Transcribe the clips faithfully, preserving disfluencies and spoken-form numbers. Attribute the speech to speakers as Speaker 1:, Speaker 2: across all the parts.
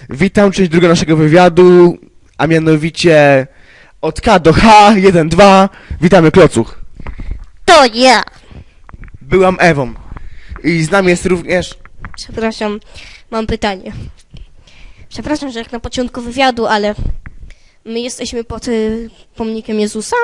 Speaker 1: Witam, część druga naszego wywiadu, a mianowicie od K do H, jeden, dwa. Witamy, Klocuch.
Speaker 2: To ja.
Speaker 1: Byłam Ewą. I z nami jest również...
Speaker 2: Przepraszam, mam pytanie. Przepraszam, że jak na początku wywiadu, ale my jesteśmy pod y, pomnikiem Jezusa?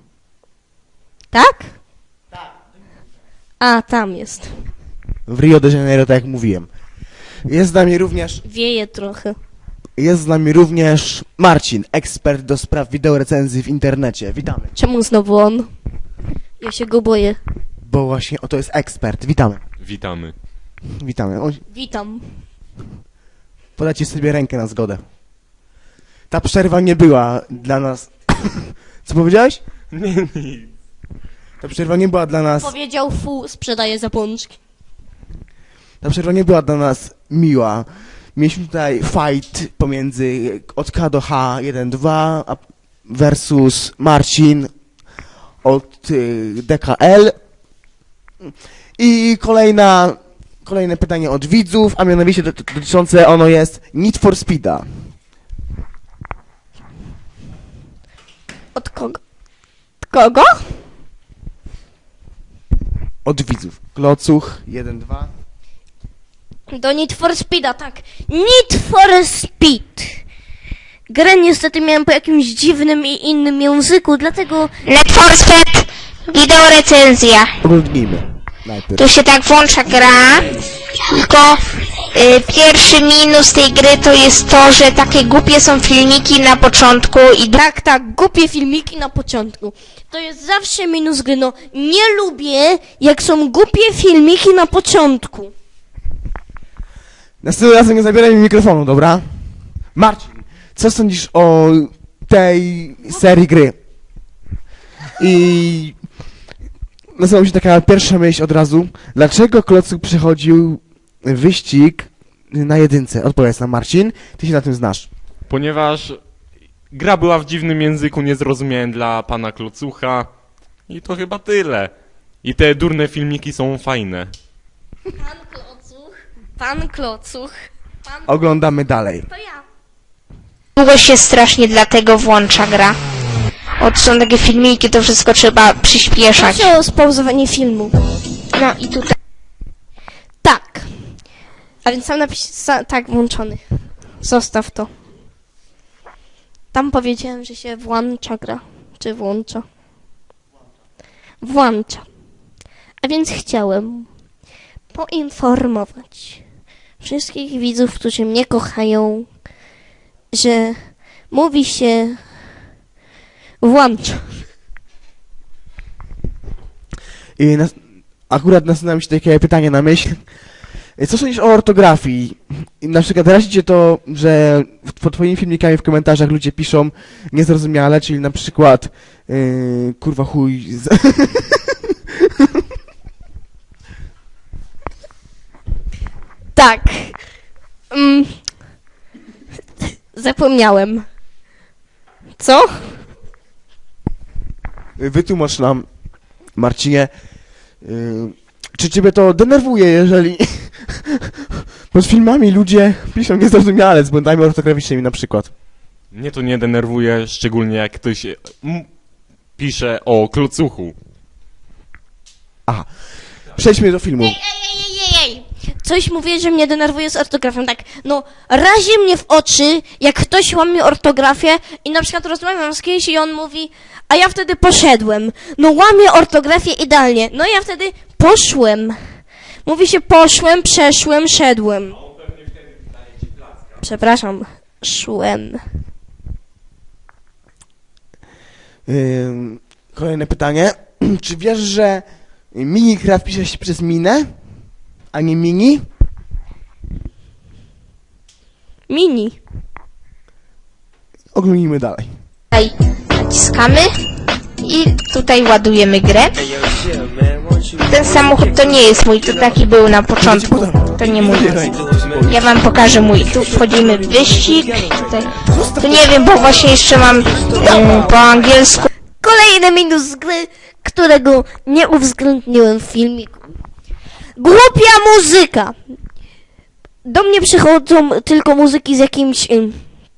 Speaker 2: Tak? Tak. A, tam jest.
Speaker 1: w Rio de Janeiro, tak jak mówiłem. Jest z nami również...
Speaker 2: Wieje trochę.
Speaker 1: Jest z nami również Marcin, ekspert do spraw wideorecenzji w internecie. Witamy.
Speaker 2: Czemu znowu on? Ja się go boję.
Speaker 1: Bo właśnie oto jest ekspert. Witamy.
Speaker 3: Witamy.
Speaker 1: Witamy. O,
Speaker 2: Witam.
Speaker 1: podajcie sobie rękę na zgodę. Ta przerwa nie była dla nas... Co powiedziałeś?
Speaker 3: Nie, nie.
Speaker 1: Ta przerwa nie była dla nas...
Speaker 2: Powiedział fu, sprzedaje zapączki.
Speaker 1: Ta przerwa nie była dla nas miła. Mieliśmy tutaj fight pomiędzy od K do H, jeden, dwa versus Marcin od y, D K L. I kolejna, kolejne pytanie od widzów, a mianowicie dotyczące ono jest Need for Speeda.
Speaker 2: Od kogo? Od kogo?
Speaker 1: Od widzów. Klocuch, jeden, dwa.
Speaker 2: Do Need for Speeda, tak. Need for Speed. Grę niestety miałem po jakimś dziwnym i innym języku, dlatego...
Speaker 4: Need for Speed, wideorecenzja.
Speaker 1: Oglądnijmy najpierw.
Speaker 4: Tu się tak włącza gra, tylko y, pierwszy minus tej gry to jest to, że takie głupie są filmiki na początku i
Speaker 2: Tak, tak, głupie filmiki na początku. To jest zawsze minus gry, no. Nie lubię, jak są głupie filmiki na początku.
Speaker 1: Następnym razem nie zabieraj mi mikrofonu, dobra? Marcin, co sądzisz o tej serii gry? I nasuwa mi się taka pierwsza myśl od razu. Dlaczego Klocuch przechodził wyścig na jedynce? Odpowiedz nam, Marcin. Ty się na tym znasz.
Speaker 3: Ponieważ gra była w dziwnym języku niezrozumiałym dla pana Klocucha i to chyba tyle. I te durne filmiki są fajne.
Speaker 2: Pan Klocuch, pan Klocuch, pan...
Speaker 1: Oglądamy dalej.
Speaker 2: To ja.
Speaker 4: długo się strasznie dlatego włącza gra. Od są takie filmiki, to wszystko trzeba przyspieszać.
Speaker 2: Proszę o spauzowanie filmu.
Speaker 4: No i tutaj.
Speaker 2: Tak. A więc sam napis... Sa, tak, włączony. Zostaw to. Tam powiedziałem, że się włącza gra. Czy włącza? Włącza. A więc chciałem poinformować wszystkich widzów, którzy mnie kochają, że mówi się włącza.
Speaker 1: I nas, akurat nasunęło mi się takie pytanie na myśl. Co sądzisz o ortografii? I na przykład razi cię to, że pod twoimi filmikami w komentarzach ludzie piszą niezrozumiale, czyli na przykład yy, kurwa chuj... Z...
Speaker 2: Tak. Mm. Zapomniałem. Co?
Speaker 1: Wytłumacz nam, Marcinie, yy, czy ciebie to denerwuje, jeżeli pod filmami ludzie piszą niezrozumiale z błędami ortograficznymi na przykład?
Speaker 3: Mnie to nie denerwuje, szczególnie jak ktoś m- pisze o Klocuchu.
Speaker 1: Aha, przejdźmy do filmu.
Speaker 2: Ej, ej, ej, ej, ej. Coś mówię, że mnie denerwuje z ortografią. Tak, no, razi mnie w oczy, jak ktoś łamie ortografię i na przykład rozmawiam z kimś i on mówi, a ja wtedy poszedłem. No, łamie ortografię idealnie. No, ja wtedy poszłem. Mówi się poszłem, przeszłem, szedłem. Przepraszam, szłem.
Speaker 1: Yy, kolejne pytanie. Czy wiesz, że Minecraft pisze się przez minę, a nie mini?
Speaker 2: Mini.
Speaker 1: Oglądnijmy dalej.
Speaker 4: Tutaj naciskamy i tutaj ładujemy grę. Ten samochód to nie jest mój, to taki był na początku. To nie mój. Ja wam pokażę mój. Tu wchodzimy w wyścig. Tutaj. To nie wiem, bo właśnie jeszcze mam um, po angielsku.
Speaker 2: Kolejny minus gry, którego nie uwzględniłem w filmiku. Głupia muzyka. Do mnie przychodzą tylko muzyki z jakimś... ym,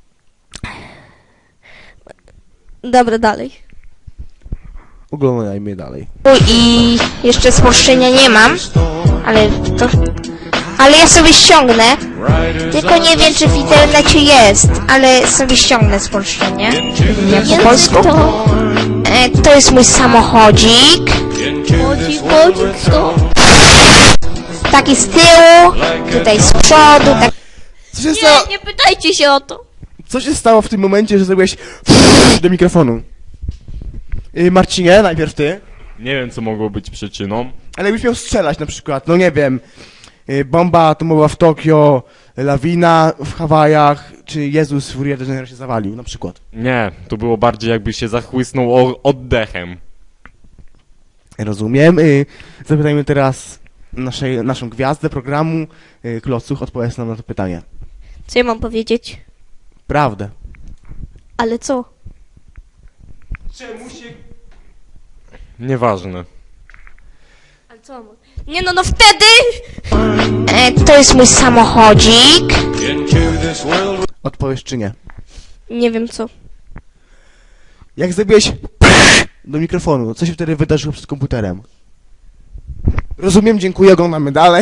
Speaker 2: Dobra, dalej.
Speaker 1: Oglądajmy dalej.
Speaker 4: I jeszcze spolszczenia nie mam, ale to... Ale ja sobie ściągnę. Tylko nie wiem, czy w internecie jest, ale sobie ściągnę spolszczenie. Nie po
Speaker 2: Język
Speaker 4: polsku.
Speaker 2: to...
Speaker 4: E, to jest mój samochodzik.
Speaker 2: Chodzi, chodzi, to...
Speaker 4: Taki z tyłu, tutaj z przodu, tak.
Speaker 1: Co się stało?
Speaker 2: Nie, nie pytajcie się o to.
Speaker 1: Co się stało w tym momencie, że zrobiłeś do mikrofonu? Yy, Marcinie, najpierw ty.
Speaker 3: Nie wiem, co mogło być przyczyną.
Speaker 1: Ale jakbyś miał strzelać na przykład, no nie wiem, yy, bomba atomowa w Tokio, lawina w Hawajach, czy Jezus w Rio de Janeiro się zawalił, na przykład.
Speaker 3: Nie, to było bardziej jakby się zachłysnął o- oddechem.
Speaker 1: Rozumiem. Yy, zapytajmy teraz naszej, naszą gwiazdę programu, yy, Klocuch, odpowiedz nam na to pytanie.
Speaker 2: Co ja mam powiedzieć?
Speaker 1: Prawdę.
Speaker 2: Ale co?
Speaker 1: Czemu się...
Speaker 3: Nieważne.
Speaker 2: Ale co mam? Nie no, no wtedy...
Speaker 4: E, to jest mój samochodzik.
Speaker 1: Odpowiesz czy nie?
Speaker 2: Nie wiem co.
Speaker 1: Jak zrobiłeś do mikrofonu, co się wtedy wydarzyło przed komputerem? Rozumiem, dziękuję, oglądamy dalej.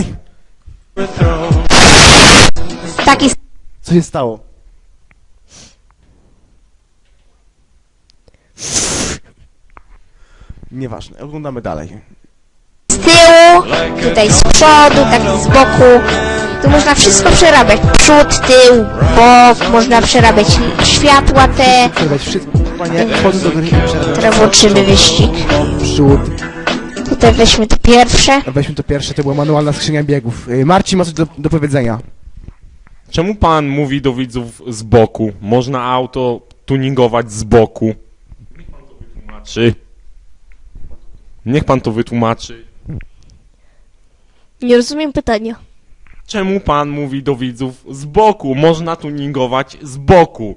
Speaker 4: Taki
Speaker 1: Co się stało? Nieważne, oglądamy dalej.
Speaker 4: z tyłu, tutaj z przodu, taki z boku. Tu można wszystko przerabiać. Przód, tył, bok, można przerabiać światła te.
Speaker 1: Przerwać wszystko, panie, wchodzę do gry i przerwać.
Speaker 4: Teraz włączymy wyścig.
Speaker 1: Przód.
Speaker 4: Tutaj weźmy to pierwsze.
Speaker 1: Weźmy to pierwsze, to była manualna skrzynia biegów. Yy, Marcin ma coś do, do powiedzenia.
Speaker 3: Czemu pan mówi do widzów z boku? Można auto tuningować z boku. Niech pan to wytłumaczy. Niech pan to wytłumaczy.
Speaker 2: Nie rozumiem pytania.
Speaker 3: Czemu pan mówi do widzów z boku? Można tuningować z boku.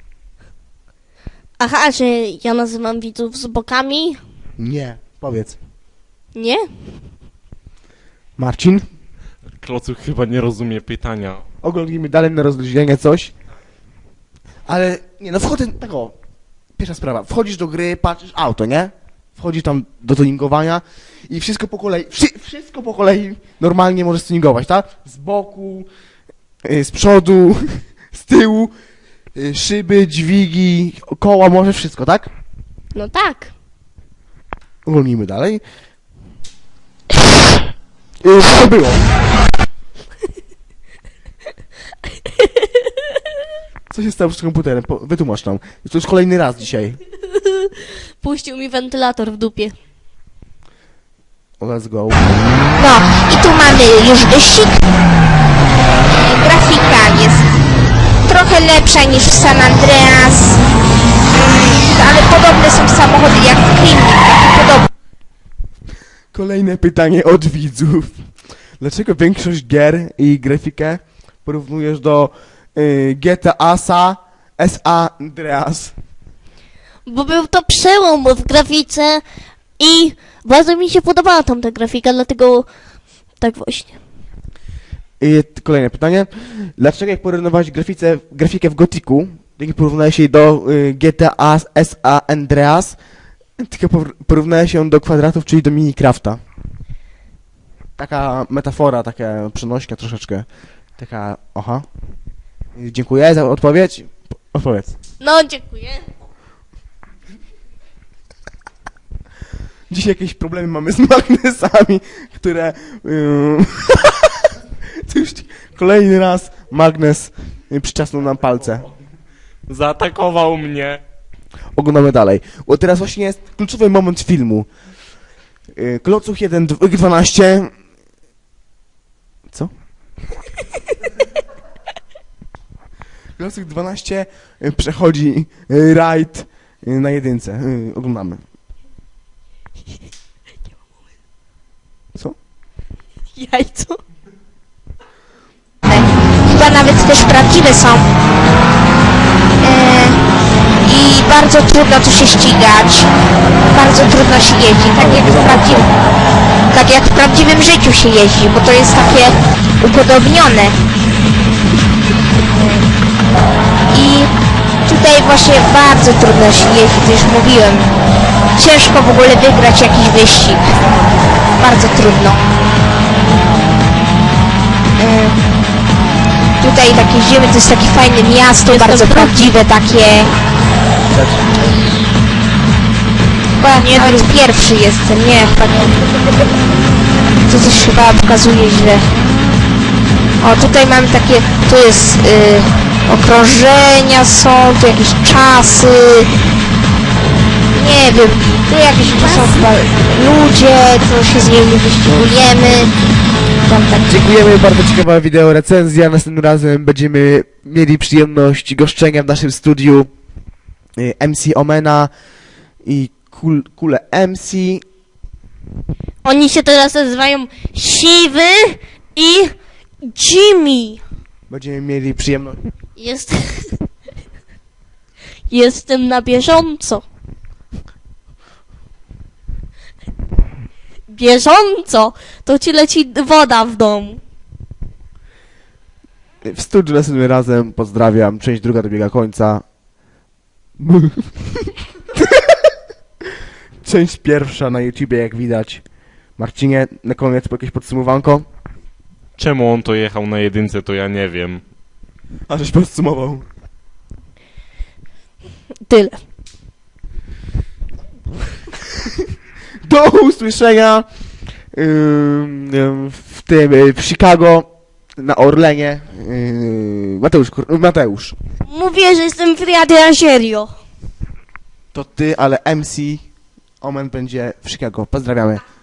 Speaker 2: Aha, że ja nazywam widzów z bokami?
Speaker 1: Nie, powiedz.
Speaker 2: Nie?
Speaker 1: Marcin?
Speaker 3: Klocuch chyba nie rozumie pytania.
Speaker 1: Oglądnijmy dalej na rozluźnienie coś. Ale, nie no, wchodzę, tak o, pierwsza sprawa, wchodzisz do gry, patrzysz auto, nie? Wchodzisz tam do tuningowania i wszystko po kolei, wszy, wszystko po kolei normalnie możesz tuningować, tak? Z boku, y, z przodu, z tyłu, y, szyby, dźwigi, koła, może wszystko, tak?
Speaker 2: No tak.
Speaker 1: Uwolnijmy dalej. Y, Co to było? Co się stało z komputerem? Po, wytłumacz nam. To już kolejny raz dzisiaj.
Speaker 2: Puścił mi wentylator w dupie.
Speaker 1: Let's go.
Speaker 4: No i tu mamy już wyścig. E, grafika jest trochę lepsza niż w San Andreas. Mm, ale podobne są samochody jak w Krymnik, takie podobne.
Speaker 1: Kolejne pytanie od widzów. Dlaczego większość gier i grafikę porównujesz do y, G T A S A, S A Andreas?
Speaker 2: Bo był to przełom w grafice i bardzo mi się podobała tamta grafika, dlatego tak właśnie.
Speaker 1: I t- kolejne pytanie. Dlaczego jak porównywać grafice, grafikę w Gothicu, jak porównałeś jej do y, G T A S A Andreas, tylko por- porównałeś ją do kwadratów, czyli do Minecrafta? Taka metafora, taka przenośnia troszeczkę. Taka, aha. Y, Dziękuję za odpowiedź. Po- Odpowiedz.
Speaker 2: No, dziękuję.
Speaker 1: Dzisiaj jakieś problemy mamy z magnesami, które... Yy, to już kolejny raz magnes yy, przyczasnął nam palce.
Speaker 3: Zaatakował mnie.
Speaker 1: Oglądamy dalej. Bo teraz właśnie jest kluczowy moment filmu. Yy, Klocuch jeden dwanaście... Co? Klocuch dwanaście yy, przechodzi yy, rajd yy, na jedynce. Yy, oglądamy. Co?
Speaker 2: Jajco.
Speaker 4: Chyba nawet też prawdziwe są. E, I bardzo trudno tu się ścigać. Bardzo trudno się jeździ, tak jak w prawdziwym, tak jak w prawdziwym życiu się jeździ, bo to jest takie upodobnione. właśnie bardzo trudno się jeździ, to już mówiłem. Ciężko w ogóle wygrać jakiś wyścig. Bardzo trudno. Yy, tutaj tak jeździmy, to jest takie fajne miasto,
Speaker 2: Jestem
Speaker 4: bardzo
Speaker 2: drugi.
Speaker 4: prawdziwe takie. Chyba nie nawet pierwszy jestem, nie, chyba nie. To coś chyba pokazuje źle. O, tutaj mamy takie, tu jest y, okrążenia są, tu jakieś czasy. Nie wiem, tu jakieś tu są chyba ludzie, to się z nimi wyścigujemy. Tam tak.
Speaker 1: Dziękujemy, bardzo ciekawa wideo recenzja. Następnym razem będziemy mieli przyjemność goszczenia w naszym studiu y, M C Omena i Kul, Kule M C.
Speaker 2: Oni się teraz nazywają Siwy i Jimmy.
Speaker 1: Będziemy mieli przyjemność.
Speaker 2: Jest... Jestem na bieżąco. Bieżąco! To ci leci woda w domu.
Speaker 1: W studiu następnym razem pozdrawiam. Część druga dobiega końca. Część pierwsza na YouTubie, jak widać. Marcinie, na koniec jakieś podsumowanko?
Speaker 3: Czemu on to jechał na jedynce, to ja nie wiem.
Speaker 1: A żeś podsumował.
Speaker 2: Tyle.
Speaker 1: Do usłyszenia ym, ym, w tym, y, w Chicago, na Orlenie. Yy, Mateusz, kur- Mateusz.
Speaker 2: Mówię, że jestem w Rio Serio.
Speaker 1: To ty, ale M C Omen będzie w Chicago. Pozdrawiamy.